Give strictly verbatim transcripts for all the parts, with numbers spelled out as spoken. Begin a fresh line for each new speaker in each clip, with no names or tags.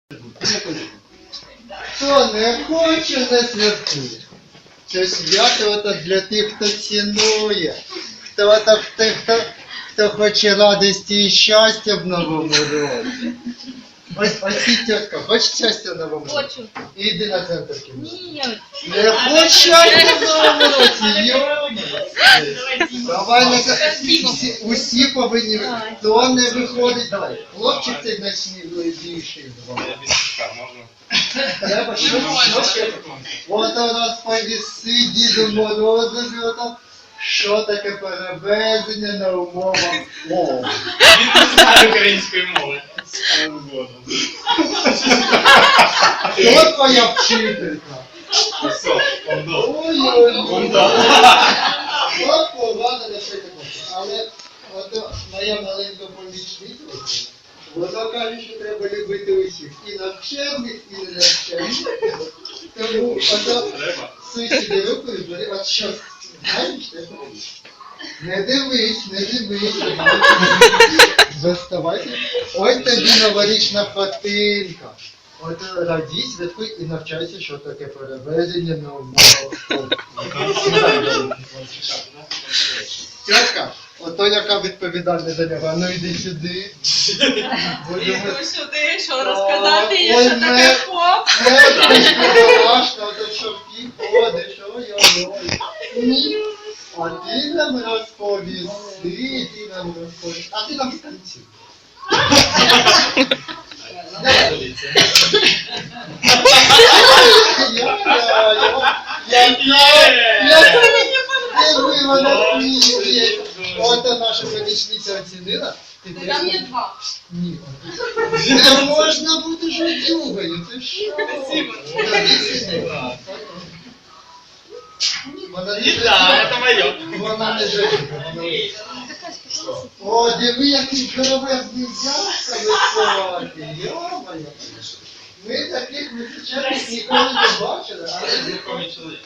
Хто не хоче, не святкує. Це свято ото для тих, хто цінує, хто, ото, хто, хто, хто хоче радості і щастя в новому році. Ось, ось і тітка, хочеш щастя в новому році?
Хочу.
Іди на центр кімнати.
Ні.
Не хочеш щастя в новому році, йо! Давай, на усі, усі повинні, хто не виходить, давай. Хлопчик цей найсміливіший з вами. Треба що, що ще? От розповісти Діду Морозові, ото, що таке перевезення на умовах мови.
Він не знає української мови.
Хто твоя вчителька?
Все, кондо.
Ой-ой-ой. От повага на все таке. Але от моя маленька помічниця, вона каже, що треба любити усіх. І навчених, і не навчених. Тому ото сусіди руку і бери, от що, знаєш, не дивись, не дивись. Заставайся. Ось тобі новорічна хатинка. От радій, святкуй і навчайся, що таке перевезення на умовах. Тітка, ото яка відповідальна за нього. Ну йди сюди.
Іду сюди, що розказати, є,
Ой,
що
ми-
таке хоп.
Не страшно, ото що ти ходиш, ой-ой-ой. Ні. А ти нам розповісти, ти нам розповісти. А ти нам станцюй. Якби вона сміє. Ото наша помічниця оцінила.
Там є два.
Ні. Не можна бути жодюгою, ти що? Вона не
Да, это мое.
Вона не жодюга. О, диви, який здоровезний дядька високий. Йо-моє. Ми таких височених ніколи не бачили, але
Знакомый человек.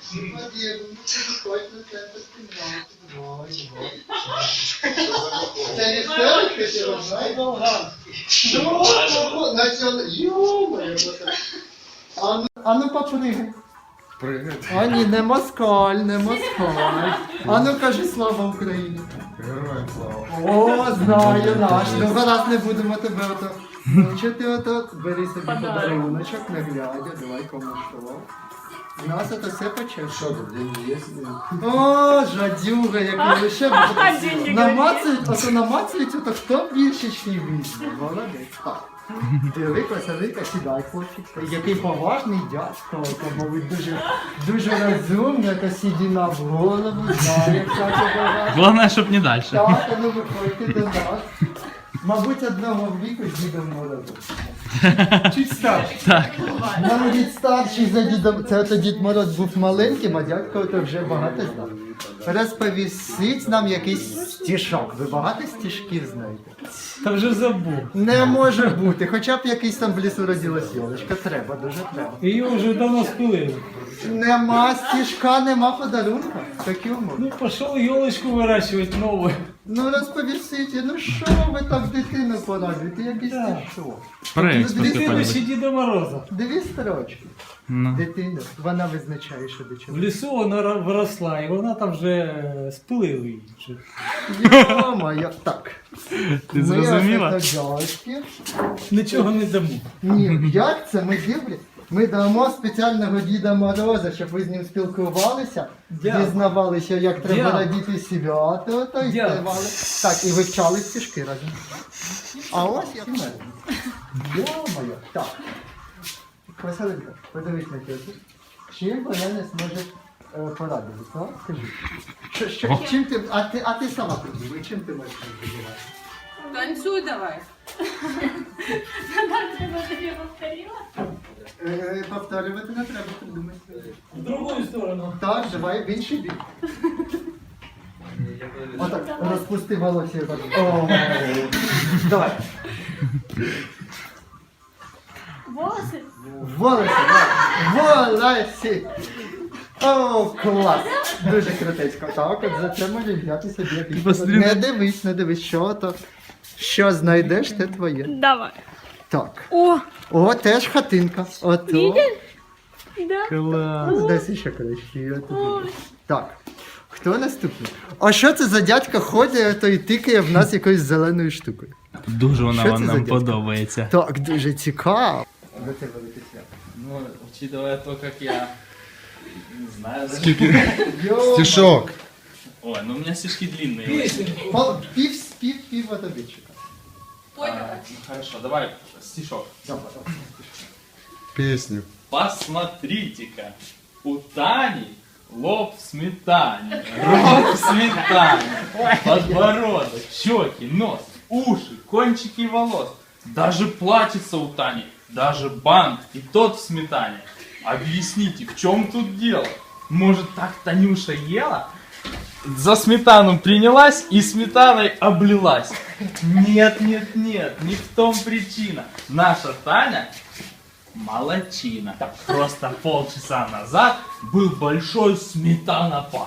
це не істерика, чи розумієте? Що? Націонал... Йо-моє. А ну попригай.
Пригай.
А ні, не москаль, не москаль. А ну кажи слава Україні.
Героям слава.
О, знаю наш. Ну гаразд не будемо тебе ото. Мучити ото. Бери собі подаруночок, не глядя, давай кому що. У нас це все почесно.
Що тут, деньги є?
О, жадюга, який лише
деньги
намацують, ото намацують, ото хто більше чи візьме. Молодець. Так. Велика, велика, сідай, хлопчик. Який поважний дядько, ото, мабуть, дуже, дуже розумний, то сідіна в голову, знає, як це буває.
Главное, щоб не дальше.
Так, а ну виходьте до нас. Мабуть, одного віку з Дідом Морозом. Чуть старший.
Так.
Навіть старший за Дідом. Це ото Дід Мороз був маленьким, а дядько то вже багато знав. Розповісить нам якийсь стишок. Ви багато стишків знаєте?
Та вже забув.
Не може бути. Хоча б якийсь там в лісу родилась йолочка. Треба, дуже треба.
Її вже давно спилили.
Нема стишка, нема подарунка. Такі умови.
Ну, пішов йолочку вирощувати нову.
Ну розповісіть, ну що ви так дитину порадуєте? Якийсь
Так.
стишок.
Проект
Ну,
Дитину
посипали.
ще Діда Мороза.
Дві строчки.
Ну.
Дитина, вона визначає, що до
В
чого.
лісу вона ра- виросла, і вона там вже е, спилили її. Вже.
Йо-моє, так.
Ти зрозуміла?
Ми ось дядьки.
Нічого не дамо.
Ні, як це? Ми дивлі. Ми дамо спеціального Діда Мороза, щоб ви з ним спілкувалися,
Дякую.
дізнавалися, як треба
Дякую.
радіти свято, та й
Дякую.
співали. Так, і вивчали стишки разом. А ось як мене. Йо-моє, так. Василинка, подивись на тетю. Чим вона не зможе е, порадити? А? Скажи. Що, що, чим ти, а ти, а ти сама придумай, чим ти можеш придумати?
Танцюй давай.
Е, повторювати не треба придумати.
В другу сторону.
Так, давай в інший бік. Отак, розпусти волосся. Так. О, давай.
Волоси?
Волосся, давай. Волосі. О, клас. Дуже крутецько. Так, от за це може взяти собі якийсь.
Посмотри.
Не дивись, не дивись, що то. Що знайдеш, те твоє.
Давай.
Так.
О,
О, теж хатинка. Ото.
да.
Клас.
Десь ще краще. Так. Хто наступний? А що це за дядька ходить, то і тикає в нас якоюсь зеленою штукою?
Дуже вона
Що це
вам
за
нам
дядько?
подобається.
Так, дуже цікаво. До тебе летить свято.
Ну, учитывая то, как я не знаю,
Йо,
Стишок.
Ой, ну у меня стишки длинные.
Пол- Пів, пів, пів водобічика.
А, ну, хорошо, давай стишок.
Песню.
Посмотрите-ка, у Тани лоб в сметане, рот в сметане, подбородок, щеки, нос, уши, кончики волос. Даже платьице у Тани, даже банк и тот в сметане. Объясните, в чем тут дело? Может, так Танюша ела? За сметану принялась и сметаной облилась. Нет, нет, нет, не в том причина. Наша Таня молодчина. Просто полчаса назад был большой сметанопад.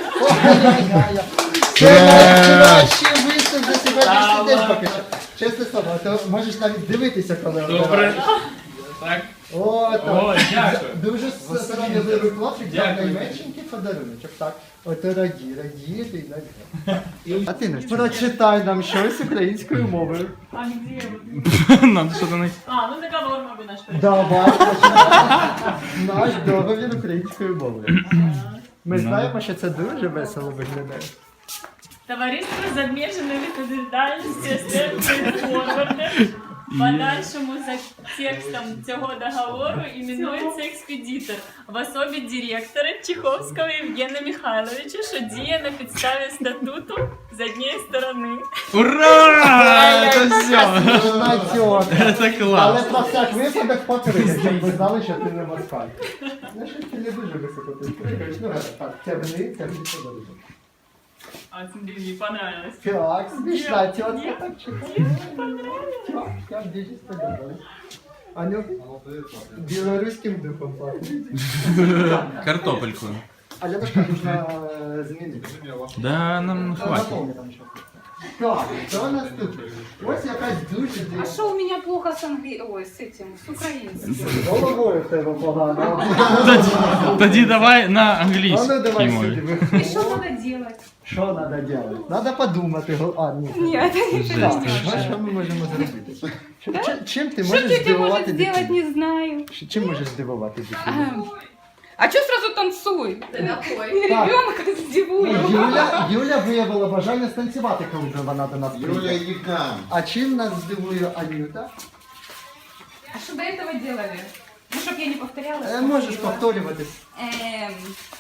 Це найкращий виступ за сьогоднішній
Та
день
ладно.
поки що. Чесне слово, то можеш навіть дивитися, коли
Добре.
обираєш.
Так.
О, так.
О, дякую.
Дуже сором'язливий хлопчик, дав
Дякую.
найменшенький подаруночок. Так, ото раді, раді, ти надя. А ти, Настя, прочитай нам щось українською мовою.
А где вы?
Надо что-то найти.
А, ну договор могу наш прочитать.
Давай, почитай. Наш договір українською мовою. Ми знаємо, що це дуже весело виглядає.
Товариство з обмеженою відповідальністю Степфорд Форварди подальшому за текстом цього договору іменується експедитор в особі директора Чеховського Євгена Михайловича, що діє на підставі статуту з однієї сторони.
Ура! Это все.
Натьок.
Это
Але
класс.
про всяк випадок покрити, щоб ви знали, що ти не москаль. Ну, що ти не дуже високо ти спригаєш. Ну, гаразд, так, тягни, тягни подарунок.
А смотри, мені понравилось.
Так, смішна тітка,
Ні.
так чекай. Так, я дуже сподобалась. Аню, білоруським духом пахне.
Картопельку.
А я так можна е, змінити.
Да, нам хватит.
Наповню там ще. Так, що наступне? Ось якась дуже
А
дивна.
что у меня плохо с англи... Ой, с этим, с украинским?
З головою в тебе погано.
Тоді давай на
А ну
англійській
давай сюди,
мові.
И
виходь.
что надо делать?
Що треба робити? Треба подумати. го- А, ні.
Нет,
Так, що, що ми можемо зробити? Що- чи- Чим ти
что
можеш
тетя
здивувати
может сделать,
дитину?
не знаю.
Ш- Чим можеш здивувати дитину?
Ага. А что сразу танцуй?
Так.
Ребенка здивую.
Юля, Юля виявила бажання станцювати, коли вже вона до нас
Юля,
прийде.
иди к нам.
А чим нас здивує Анюта?
А что до этого делали? Ну, чтоб я не повторяла.
Е, можеш повторюватись.
Эм,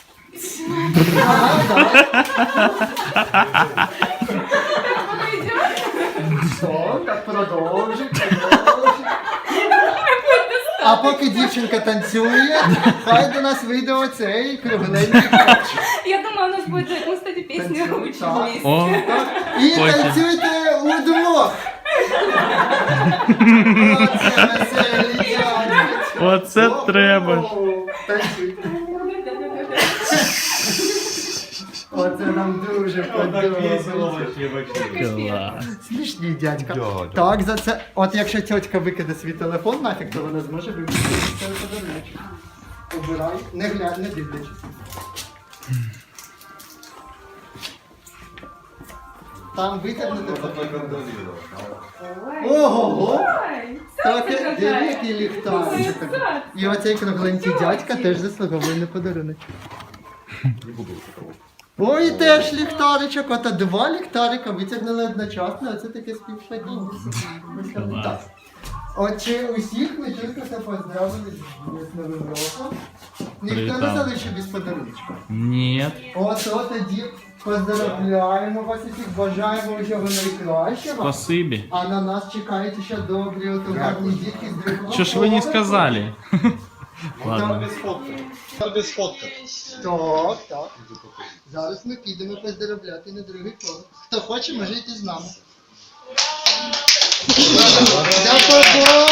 Ага, давай. Все, так продовжуй, продовжуй. А поки дівчинка танцює, хай до нас вийде оцей кругленький хлопчик.
Я думаю, у нас будет, мы, кстати, песню
Танцуй,
учить
так.
вместе.
О,
І
Потім.
танцюйте удвох. Оце веселі дядьки.
оце треба.
О-о-о. Танцюйте. Оце нам дуже подобається.
Клас.
Смішні дядька.
Дядя.
Так, за це. От якщо тьотька викиде свій телефон нафіг, то вона зможе вивчити цей подарунок. Обирай, не глянь, не дивлячись. Там витягнути. Ого!
Ой,
Так,
какая.
диви, який ліхтарчик. І оцей кругленький дядька теж заслуговує на подарунок. Ой, теж ліхтаричок, ото два ліхтарика витягнули одночасно, оце таке співпадіння. Так. Отже, усіх ми тільки що поздравили з Новим роком. Ніхто не
Привітав.
залишив без подаруночка.
Нет.
Ото тоді поздравляємо вас усіх, бажаємо усього найкращого.
Спасибі.
А на нас чекають ще добрі, ото гарні дітки з другого
Що ж ви не
поверху.
сказали? Ладно.
Без фотки. Без фотки.
Так, так. Зараз ми підемо поздравляти на другий поверх. Хто хоче, може йти з нами. До побачення!